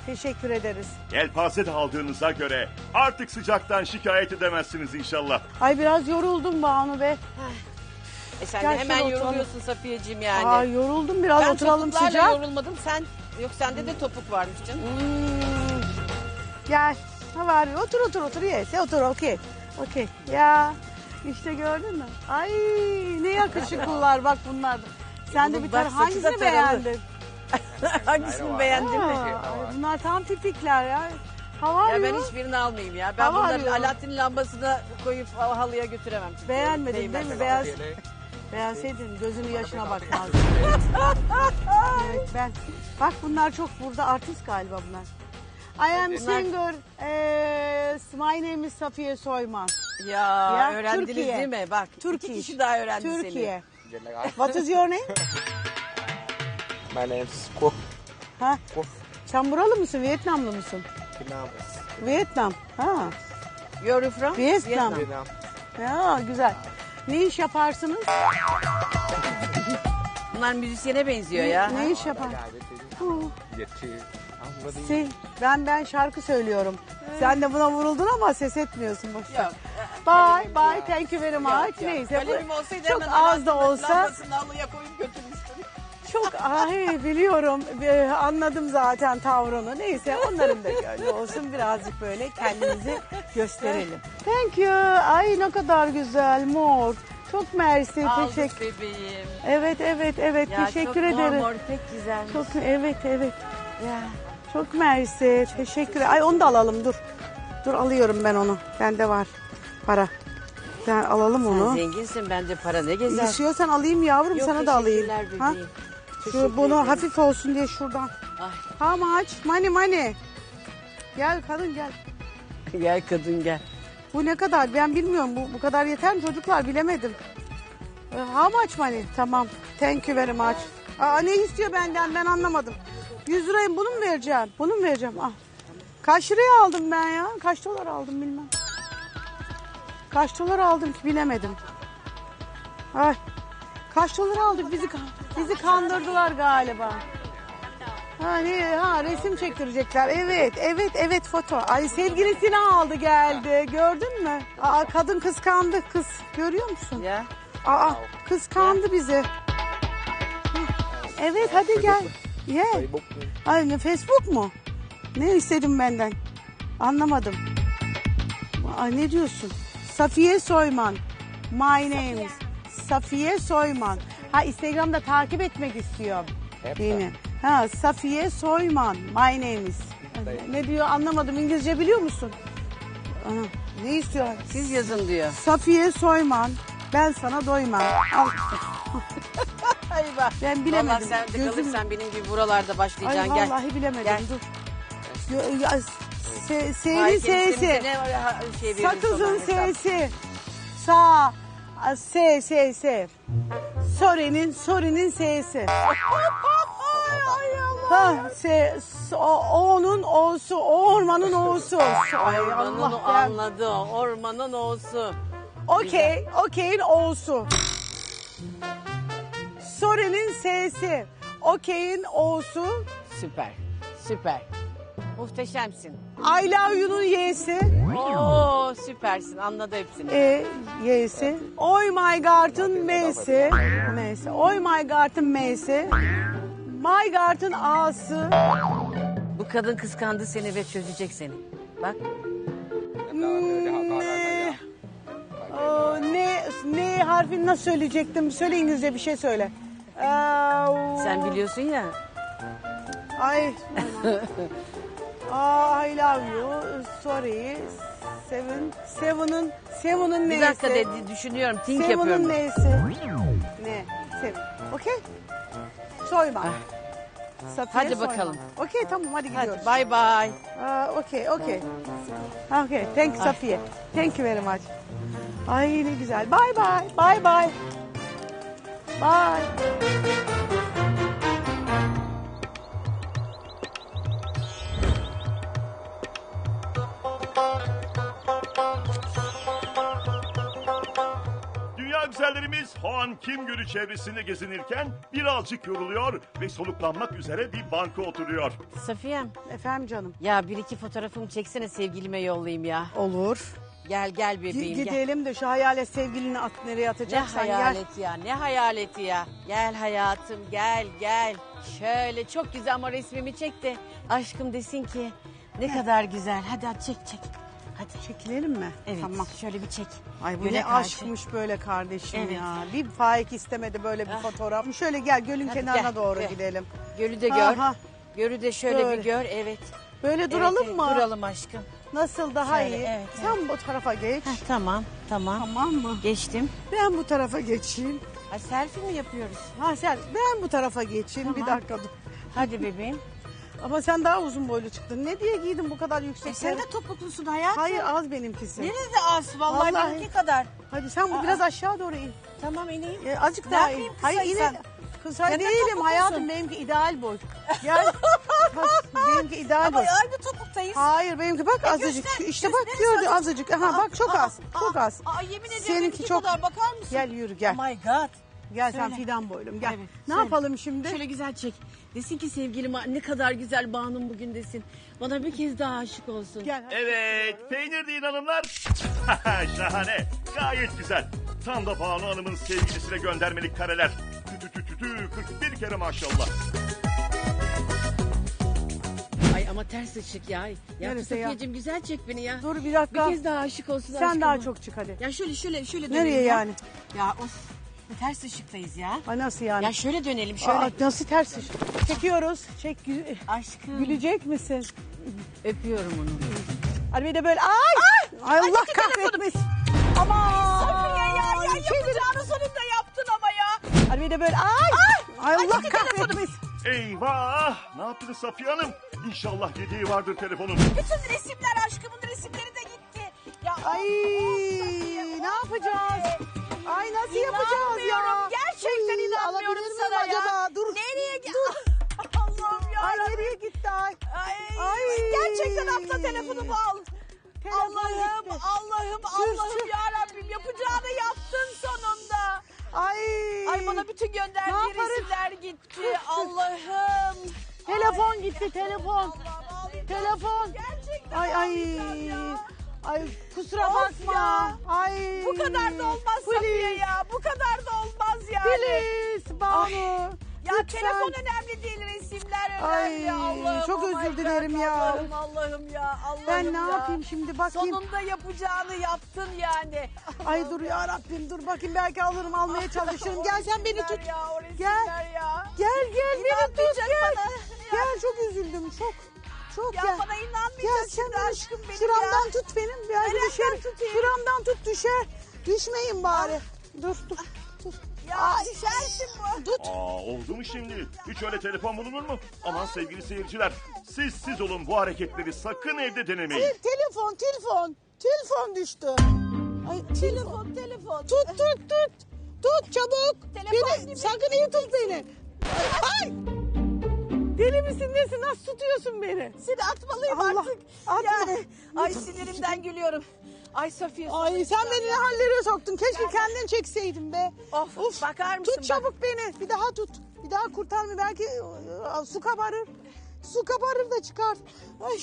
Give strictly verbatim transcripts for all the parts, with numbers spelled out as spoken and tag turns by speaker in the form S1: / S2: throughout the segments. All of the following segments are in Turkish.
S1: Teşekkür ederiz.
S2: Yelpaze de aldığınıza göre artık sıcaktan şikayet edemezsiniz inşallah.
S1: Ay biraz yoruldum Banu be.
S3: E sen
S1: Gel
S3: de hemen
S1: şöyle
S3: yoruluyorsun Safiyeciğim yani.
S1: Ay yoruldum biraz,
S3: ben
S1: oturalım
S3: topuklarla
S1: sıcak.
S3: yorulmadım. Sen yok sende de topuk varmış canım.
S1: Hmm. Gel. Ha var. Otur otur otur. Yes. Otur. Okey. Okey. Ya işte gördün mü? Ay ne yakışıklılar bak bunlar. Sen de
S3: Bunun
S1: bir tane
S3: bak saçı da
S1: hangisini
S3: taralı.
S1: beğendin?
S3: Hangisini beğendin mi?
S1: Aa, ay bunlar tam tipikler ya. Hava
S3: Ya ben
S1: arıyor.
S3: hiçbirini almayayım ya. Ben
S1: Hava
S3: bunları
S1: arıyor.
S3: Alaaddin lambasına koyup halıya götüremem. Çünkü
S1: Beğenmedin
S3: değmez.
S1: değil mi? Beğen... Beğenseydin gözünün yaşına bakmazdın. Evet ben. Bak bunlar çok burada artist galiba bunlar. I am singer. Eh, my name is Safiye Soyman.
S3: Ya,
S1: Ya,
S3: öğrendiniz
S1: Türkiye.
S3: değil mi? Bak
S1: Türkiye.
S3: iki kişi daha öğrendi
S1: Türkiye.
S3: seni.
S1: What is your name?
S4: My name's Quốc.
S1: Ha?
S4: Quốc.
S1: Sen buralı mısın? Vietnamlı mısın?
S4: Vietnam.
S1: Vietnam. Ha.
S3: You're from?
S1: Vietnam.
S4: Vietnam.
S1: Ya güzel. Ne iş yaparsınız?
S3: Bunlar müzisyene benziyor ya.
S1: Ne iş yapar? Hı.
S4: Việt thì không có gì.
S1: Şey, ben ben şarkı söylüyorum. Sen de buna vuruldun ama ses etmiyorsun boşver.
S3: Yok.
S1: Bye bye. Thank you very much. Neyse.
S3: Kalemim
S1: bu-
S3: olsaydı
S1: çok
S3: hemen
S1: az da
S3: Alaaddin'in
S1: olsa
S3: lambasını halıya koyup götürmüştüm.
S1: çok ay biliyorum. Ee, anladım zaten tavrını. Neyse onların da gönlü olsun, birazcık böyle kendimizi gösterelim. Thank you. Ay ne kadar güzel mor. Çok mersi.
S3: Aldık
S1: Teşekkür.
S3: bebeğim.
S1: Evet evet evet
S3: Ya
S1: teşekkür
S3: çok
S1: ederim.
S3: mor mor pek güzel.
S1: Çok evet evet.
S3: Ya.
S1: Çok mersi. Teşekkür. Ay onu da alalım dur. Dur alıyorum ben onu. Bende var para. Ben alalım
S3: Sen
S1: onu.
S3: zenginsin bence para ne gezer.
S1: İstiyorsan alayım yavrum,
S3: Yok,
S1: sana da alayım.
S3: teşekkürler
S1: Ha?
S3: bebeğim.
S1: Şu
S3: Teşekkür
S1: bunu
S3: ederim.
S1: hafif olsun diye şuradan.
S3: Ay.
S1: How much? Money money. Gel kadın gel.
S3: Gel kadın gel.
S1: Bu ne kadar? Ben bilmiyorum. Bu bu kadar yeter mi çocuklar? Bilemedim. Ee, How much money? Tamam. Thank you very much. Aa, ne istiyor benden? Ben anlamadım. yüz lirayı bunu mu vereceğim? Bunu mu vereceğim? Ah. Kaç liraya aldım ben ya? Kaç dolar aldım bilmem. Kaç dolar aldım ki bilemedim. Ay. Kaç dolar aldık? Bizi bizi kandırdılar galiba. Ha, ne, ha resim çektirecekler. Evet, evet, evet foto. Ay sevgilisini aldı geldi. Gördün mü? Aa, kadın kıskandı kız. Görüyor musun?
S3: Ya.
S1: Aa, kıskandı bizi. Hı. Evet hadi gel. Ye.
S4: Facebook.
S1: Ay ne Facebook mu? Ne istedin benden? Anlamadım. Ay ne diyorsun? Safiye Soyman. My name is Safiye Soyman. Ha Instagram'da takip etmek istiyor beni. Ha Safiye Soyman. My name is. Ne diyor anlamadım. İngilizce biliyor musun? Aha, ne istiyor?
S3: Siz yazın diyor.
S1: Safiye Soyman. Ben sana doymam. Al.
S3: Ay bak.
S1: Ben bilemedim.
S3: Vallahi sen de
S1: Gözüm-
S3: kalırsan benim gibi buralarda
S1: Ay
S3: başlayacaksın. Gel.
S1: vallahi bilemedim.
S3: Gel.
S1: Dur. Yo- ya, se, S'nin
S3: Ay, senin-
S1: S'si.
S3: senin ne var ya, şey verirsin
S1: Sakızın
S3: ona hesap.
S1: S'si. Sağ. a, S, S, S. Sore'nin, Sore'nin S'si. Ha, S, S- o, O'nun O'su, o ormanın O'su. Ay
S3: Ormanın
S1: Allah
S3: o
S1: ben.
S3: anladı. o, Ormanın o'su.
S1: Okey, okey'in O'su. Sore'nin S'si. Okey'in O'su.
S3: Süper. Süper. Muhteşemsin.
S1: I love you'nun Y'si.
S3: Oo süpersin. Anladı hepsini.
S1: E, Y'si. Oy my God'ın M'si. M'si. Oy my God'ın M'si. My God'ın A'sı.
S3: Bu kadın kıskandı seni ve çözecek seni. Bak.
S1: Ne? Aa, ne, ne harfini nasıl söyleyecektim? Söyle İngilizce bir şey söyle. Aa,
S3: Sen biliyorsun ya.
S1: Ay. Aa, I love you. Sorry. Seven. Seven'ın Seven'ın neyse.
S3: Bir dakika dedi düşünüyorum. Think
S1: Seven'ın
S3: yapıyorum.
S1: neyse. Ne? Seven. Okey. Soyma. Safiye
S3: Hadi
S1: Soyman.
S3: bakalım.
S1: Okey tamam hadi gidiyoruz.
S3: Hadi bye bye.
S1: Aa, okey okey. Okay. Thank you Safiye. Thank you very much. Ay ne güzel. Bye bye. Bye bye. Bye.
S2: Dünya güzellerimiz Hoan Kim Gölü çevresinde gezinirken birazcık yoruluyor ve soluklanmak üzere bir banka oturuyor.
S3: Safiyem,
S1: Efendim canım.
S3: ya bir iki fotoğrafımı çeksene sevgilime yollayayım ya.
S1: Olur.
S3: Gel gel bebeğim gel.
S1: Gidelim de şu hayalet sevgilini at nereye
S3: Ne
S1: atacaksan gel.
S3: hayaleti ya, ne hayaleti ya. Gel hayatım, gel gel. Şöyle çok güzel ama resmimi çek de aşkım desin ki ne kadar güzel. Hadi hadi çek çek. Hadi.
S1: Çekilelim mi?
S3: Evet,
S1: Tamam.
S3: şöyle bir çek.
S1: Ay bu
S3: Göle
S1: ne
S3: karşı.
S1: aşkmış böyle kardeşim
S3: Evet.
S1: ya. Bir faik istemedi böyle bir
S3: Ah.
S1: fotoğraf. Şöyle gel gölün
S3: Hadi
S1: kenarına
S3: gel,
S1: doğru
S3: gel.
S1: gidelim.
S3: Gölü de gör.
S1: Aha.
S3: Gölü de şöyle
S1: Böyle.
S3: bir gör, evet.
S1: Böyle
S3: Evet,
S1: duralım
S3: evet,
S1: mı?
S3: Duralım aşkım.
S1: Nasıl daha
S3: Şöyle,
S1: iyi?
S3: evet,
S1: Sen bu tarafa geç.
S3: Heh, tamam, tamam.
S1: Tamam mı?
S3: Geçtim.
S1: Ben bu tarafa geçeyim.
S3: Ha, selfie mi yapıyoruz?
S1: Ha sen ben bu tarafa geçeyim.
S3: Tamam.
S1: Bir dakika dur.
S3: Hadi bebeğim.
S1: Ama sen daha uzun boylu çıktın. Ne diye giydin bu kadar yüksek?
S3: E sen de topuklusun hayatım.
S1: Hayır az benimkisi.
S3: Nerede az? Vallahi,
S1: Vallahi.
S3: benimki kadar.
S1: Hadi sen bu
S3: Aa.
S1: biraz aşağı doğru in.
S3: Tamam ineyim.
S1: E, azıcık
S3: Ne
S1: daha in.
S3: yapayım
S1: Hayır
S3: kısaysan?
S1: in. Kısa
S3: Sen de
S1: değilim
S3: topuklusun.
S1: hayatım benimki ideal boy. Gel. Bak, benimki ideal
S3: Ama
S1: boy.
S3: aynı topuktayız.
S1: Hayır benimki bak
S3: E,
S1: azıcık.
S3: göster,
S1: işte
S3: göster,
S1: bak
S3: neresi
S1: gördü azıcık. Aha bak çok
S3: Aa,
S1: az.
S3: aa,
S1: Çok az.
S3: Aa, yemin ederim
S1: Seninki
S3: benimki
S1: çok.
S3: kadar bakar mısın?
S1: Gel yürü gel.
S3: Oh my god.
S1: Gel sen
S3: Söyle.
S1: fidan boylum gel.
S3: Evet,
S1: Ne
S3: söyle.
S1: yapalım şimdi?
S3: Şöyle güzel çek. Desin ki sevgilim ne kadar güzel Banu'm bugün desin. Bana bir kez daha aşık olsun.
S1: Gel.
S2: Evet, peynir deyin hanımlar. Şahane, gayet güzel. Tam da Banu Hanım'ın sevgilisine göndermelik kareler. Tü tü tü tü kırk bir kere maşallah.
S3: Ay ama ters ışık ya. Ya
S1: Neresi ya?
S3: Safiyeciğim güzel çek beni ya.
S1: Dur bir
S3: Bir
S1: dakika.
S3: kez daha aşık olsun
S1: Sen
S3: aşkıma.
S1: daha çok çık hadi.
S3: Ya şöyle şöyle şöyle
S1: Nereye
S3: dönelim ya.
S1: yani?
S3: Ya of. Ters ışıktayız ya.
S1: Ay nasıl yani?
S3: Ya şöyle dönelim şöyle.
S1: Aa, nasıl ters iş? Çekiyoruz. Çek. gü-
S3: Aşkım.
S1: Gülecek misin?
S3: Öpüyorum onu.
S1: Hadi bir de böyle ay. Ay, Allah
S3: gitti telefonum.
S1: kahretmesin. Aman.
S3: Safiye ya, ya
S1: Çevir.
S3: yapacağını sonunda yaptın ama ya.
S1: Hadi bir de böyle ay. Ay, Allah
S3: gitti
S1: kahretmesin.
S2: Eyvah! Ne yaptınız Safiye Hanım? İnşallah yediği vardır telefonun.
S3: Bütün resimler aşkımın resimleri de gitti. Ya
S1: Ay ne yapacağız? Ay nasıl yapacağız ya?
S3: İnanmıyorum. Gerçekten
S1: Ay,
S3: inanmıyorum
S1: alabilir miyim
S3: sana ya.
S1: acaba? Dur.
S3: Nereye gitti?
S1: Dur.
S3: Allah'ım ya.
S1: Ay nereye gitti ay?
S3: Ay,
S1: Ay.
S3: Gerçekten atla telefonumu al.
S1: Telefon
S3: Allah'ım,
S1: gitti.
S3: Allah'ım,
S1: Sür,
S3: Allah'ım
S1: sür.
S3: ya Rabbim yapacağını yaptın sonunda.
S1: Ay.
S3: Ay bana bütün
S1: Ne
S3: gönderdiği
S1: yaparız?
S3: resimler gitti. Allah'ım.
S1: Telefon gitti telefon.
S3: Allah'ım, ağlayacağım.
S1: Telefon.
S3: Gerçekten
S1: Ay ay.
S3: ağlayacağım ya.
S1: Ay kusura
S3: Of
S1: bakma.
S3: ya.
S1: Ay.
S3: Bu kadar da olmaz Safiye ya. Bu kadar da olmaz yani.
S1: Please Banu.
S3: Ya
S1: Lütfen.
S3: telefon önemli değil, resimler önemli.
S1: Ay,
S3: Allah'ım,
S1: çok
S3: oh
S1: özür
S3: my
S1: dilerim
S3: God,
S1: ya.
S3: Allah'ım, Allah'ım ya, Allah'ım
S1: Ben ne
S3: ya.
S1: yapayım şimdi bakayım.
S3: Sonunda yapacağını yaptın yani.
S1: Ay dur ya Rabbim dur bakayım belki alırım almaya çalışırım.
S3: O
S1: Gel sen beni
S3: resimler
S1: tut.
S3: Ya, o
S1: Gel.
S3: resimler ya.
S1: Gel gel beni tut
S3: İnanmayacak
S1: gel.
S3: bana.
S1: Gel çok üzüldüm çok. Çok
S3: Ya
S1: gel.
S3: bana
S1: Gel
S3: inanmayacaksın
S1: sen
S3: şimdi
S1: beni
S3: aşkım benim
S1: şuramdan
S3: ya.
S1: tut benim. Belki
S3: Nereden
S1: düşer.
S3: tutayım?
S1: Şuramdan tut düşer. Düşmeyin bari. Dur dur. Dur.
S3: Ya düşersin bu.
S1: Tut.
S2: Aa, oldu mu şimdi? Hiç öyle telefon bulunur mu? Aman sevgili seyirciler, siz siz olun, bu hareketleri sakın evde denemeyin.
S1: Te- telefon telefon. Telefon düştü. Ay telefon.
S3: Telefon, telefon.
S1: Tut tut tut. Tut çabuk.
S3: Telefon
S1: beni
S3: değil mi?
S1: sakın iyi tut beni. Ay. ay. Deli misin nesin? Nasıl tutuyorsun beni?
S3: Seni atmalıyım
S1: Allah,
S3: artık.
S1: atma.
S3: Yani, ay sinirimden gülüyorum. Ay Safiye.
S1: Ay
S3: sana
S1: sen beni ne
S3: ya.
S1: hallere soktun. Keşke kendin çekseydin be.
S3: Of, bakar mısın
S1: Tut çabuk beni. Bir daha tut. Bir daha kurtar mı? Belki e, su kabarır. Su kabarır da çıkar. Ay.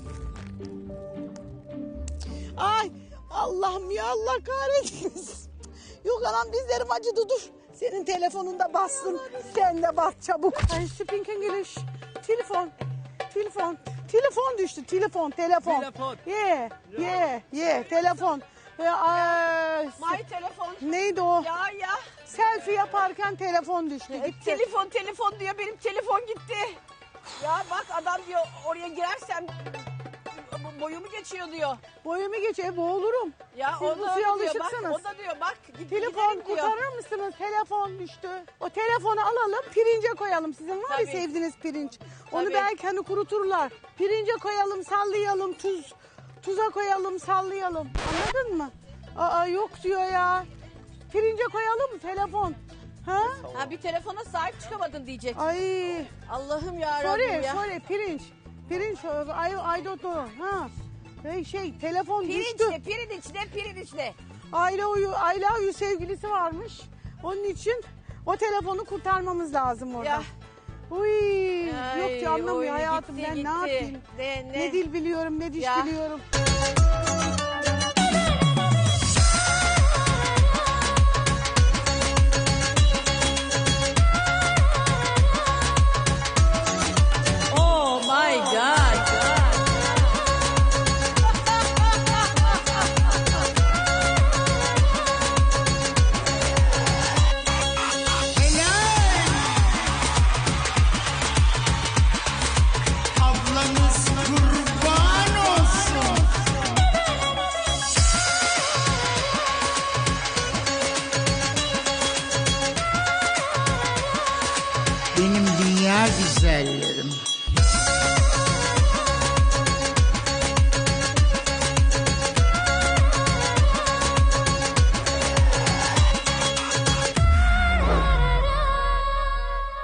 S1: Ay Allah'ım ya Allah kahretsin. Yok anam dizlerim acıdı dur. Senin telefonunda bassın. Sen de bas çabuk. Ay speaking English. Telefon. Telefon. Telefon düştü. Telefon. Telefon.
S4: Telefon.
S1: Yeah. Yeah. Yeah. Telefon. Ya, ay,
S3: My telefon.
S1: neydi o?
S3: Ya ya.
S1: Selfie yaparken telefon düştü. Gitti.
S3: Telefon telefon diyor, benim telefon gitti. Ya bak adam diyor oraya girersem boyumu geçiyor diyor.
S1: Boyumu geçe boğulurum.
S3: Ya
S1: Siz
S3: o
S1: bu
S3: da
S1: suya
S3: öyle diyor. Bak,
S1: alışıksınız.
S3: o da diyor bak git,
S1: Telefon
S3: gidelim diyor.
S1: kurtarır mısınız? Telefon düştü. O telefonu alalım pirince koyalım. Sizin var ya
S3: Tabii.
S1: sevdiğiniz pirinç. Onu
S3: Tabii.
S1: belki hani kuruturlar. Pirince koyalım sallayalım tuz. Tuza koyalım sallayalım. Anladın mı? Aa yok diyor ya. Pirince koyalım telefon. Ha?
S3: Ha bir telefona sahip çıkamadın diyecek.
S1: Ay.
S3: Allah'ım ya Rabbim
S1: Sorry,
S3: ya.
S1: sorry pirinç. Pirinç, I, I don't know. Ha. Şey, şey telefon
S3: Pirinç
S1: düştü.
S3: ne, pirinç ne, pirinç ne.
S1: Aile uyu, aile uyu sevgilisi varmış. Onun için o telefonu kurtarmamız lazım orada.
S3: Ya.
S1: Uy,
S3: Ay,
S1: yok ki anlamıyor
S3: oy,
S1: hayatım
S3: gitti,
S1: ben
S3: gitti.
S1: ne yapayım?
S3: De, ne?
S1: Ne dil biliyorum ne diş
S3: Ya.
S1: biliyorum.
S3: Oh my God.
S5: Ablanız kurban olsun. Benim dünya güzellerim.